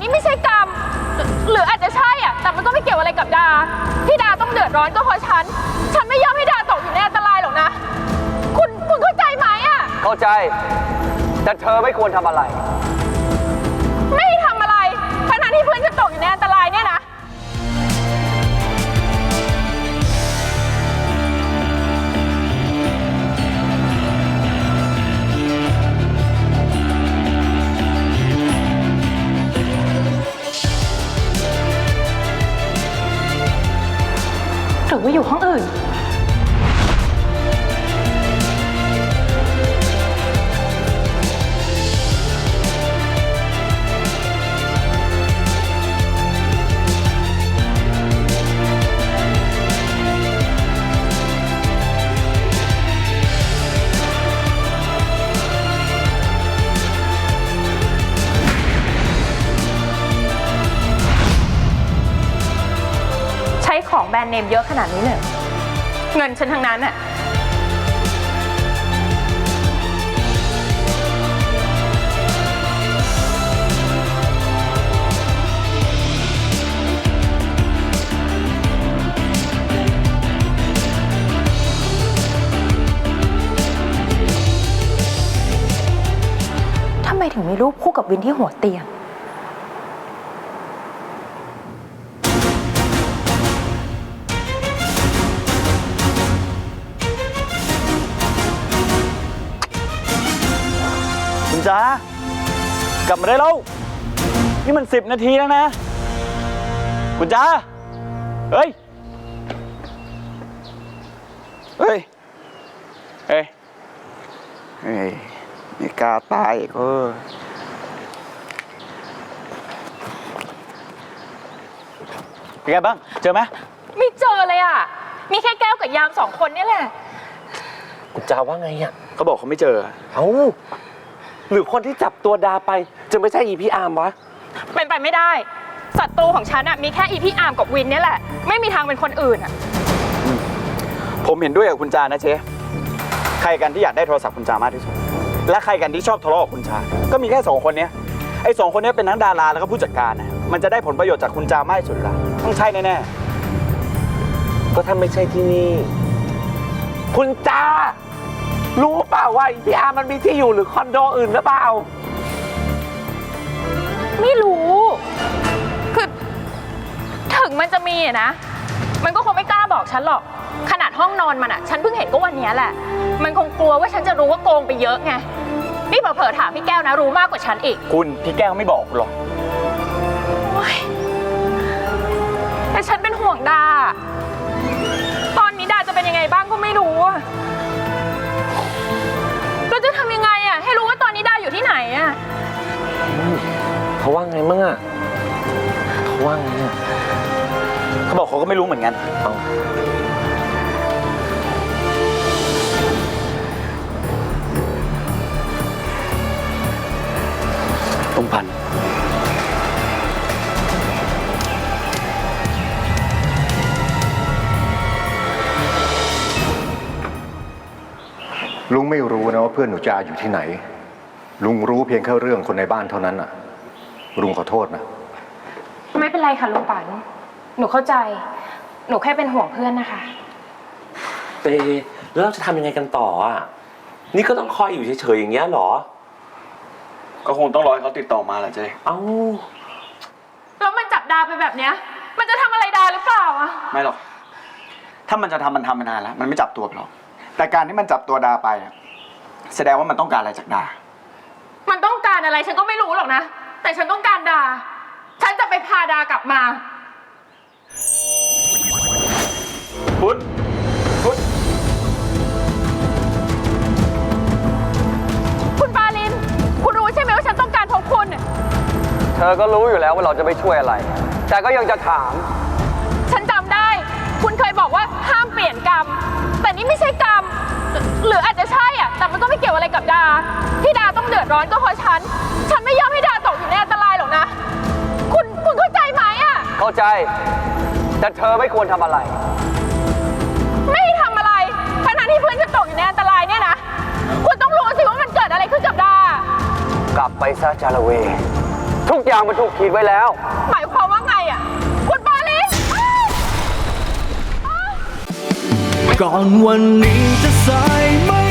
นี่ไม่ใช่กรรมหรืออาจจะใช่อ่ะแต่มันก็ไม่เกี่ยวอะไรกับดาที่ดาต้องเดือดร้อนก็เพราะฉันไม่ยอมให้ดาตกอยู่ในอันตรายหรอกนะคุณเข้าใจไหมอ่ะเข้าใจแต่เธอไม่ควรทำอะไรไม่ทำอะไรทั้งที่เพื่อนจะตกอยู่ในอันตรายเนี่ยนะหรือว่าอยู่ห้องอื่นของแบรนด์เนมเยอะขนาดนี้เลยเงินฉันทั้งนั้นอะทำไมถึงมีรูปคู่กับวินที่หัวเตียงจ้ากลับมาได้แล้วนี่มัน10 นาทีแล้วนะคุณจ้าเฮ้ยเฮ้ยเฮ้ยเฮ้ยไม่กล้าตายอีกเป็นไงบ้างเจอไหมไม่เจอเลยอ่ะมีแค่แก้วกับยาม2 คนนี่แหละคุณจ้าว่าไงอ่ะเขาบอกเขาไม่เจอเอ้าหรือคนที่จับตัวดาไปจะไม่ใช่อีพี่อาร์มวะเป็นไปไม่ได้ศัตรูของฉันอะมีแค่อีพี่อาร์มกับวินนี่แหละไม่มีทางเป็นคนอื่นอะผมเห็นด้วยกับคุณจานะเจ๊ใครกันที่อยากได้โทรศัพท์คุณจามากที่สุดและใครกันที่ชอบทะเลาะกับคุณจาก็มีแค่2 คนนี้ไอ้2 คนนี้เป็นทั้งดาราแล้วก็ผู้จัดการนะมันจะได้ผลประโยชน์จากคุณจามากที่สุดละต้องใช่แน่ๆก็ถ้าไม่ใช่ที่นี่คุณจารู้เปล่าว่าพี่อาร์มันมีที่อยู่หรือคอนโดอื่นหรือเปล่าไม่รู้คือถึงมันจะมีนะมันก็คงไม่กล้าบอกฉันหรอกขนาดห้องนอนมันอะฉันเพิ่งเห็นก็วันนี้แหละมันคงกลัวว่าฉันจะรู้ว่าโกงไปเยอะไงนี่เผลอๆถามพี่แก้วนะรู้มากกว่าฉันอีกคุณพี่แก้วไม่บอกหรอกแต่ฉันเป็นห่วงดาตอนนี้ดาจะเป็นยังไงบ้างก็ไม่รู้เราจะทำยังไงอะให้รู้ว่าตอนนี้ดาอยู่ที่ไหนอะเขาว่าไงมั่งอะเขาว่าไงอะเขาบอกเขาก็ไม่รู้เหมือนกันต้องพันลุงไม่รู้นะว่าเพื่อนหนูจาอยู่ที่ไหนลุงรู้เพียงแค่เรื่องคนในบ้านเท่านั้นน่ะลุงขอโทษนะไม่เป็นไรค่ะลุงปันหนูเข้าใจหนูแค่เป็นห่วงเพื่อนนะคะเตแล้วเราจะทำยังไงกันต่ออ่ะนี่ก็ต้องคอยอยู่เฉยๆอย่างเงี้ยหรอก็คงต้องรอให้เขาติดต่อมาแหละเจ๊เอ้าแล้วมันจับดาไปแบบเนี้ยมันจะทำอะไรดาหรือเปล่าอะไม่หรอกถ้ามันจะทำมันทำมานานแล้วมันไม่จับตัวไปหรอกแต่การที่มันจับตัวดาไปแสดงว่ามันต้องการอะไรจากดามันต้องการอะไรฉันก็ไม่รู้หรอกนะแต่ฉันต้องการดาฉันจะไปพาดากลับมาพุทธคุณปาลินคุณรู้ใช่ไหมว่าฉันต้องการพบคุณเธอก็รู้อยู่แล้วว่าเราจะไม่ช่วยอะไรแต่ก็ยังจะถามฉันจำได้คุณเคยบอกว่าห้ามเปลี่ยนกรรมแต่นี่ไม่ใช่กรรมหรืออาจจะใช่อ่ะแต่มันก็ไม่เกี่ยวอะไรกับดาที่ดาต้องเดือดร้อนก็เพราะฉันไม่ยอมให้ดาตกอยู่ในอันตรายหรอกนะคุณเข้าใจไหมอ่ะเข้าใจแต่เธอไม่ควรทำอะไรไม่ทำอะไรทั้งที่เพื่อนจะตกอยู่ในอันตรายเนี่ยนะคุณต้องรู้สิว่ามันเกิดอะไรขึ้นกับดากลับไปซะจาระเวททุกอย่างมันถูกขีดไว้แล้วหมายความว่าไงอ่ะ คุณปาลิสก่อนวันนี้จะสายไม่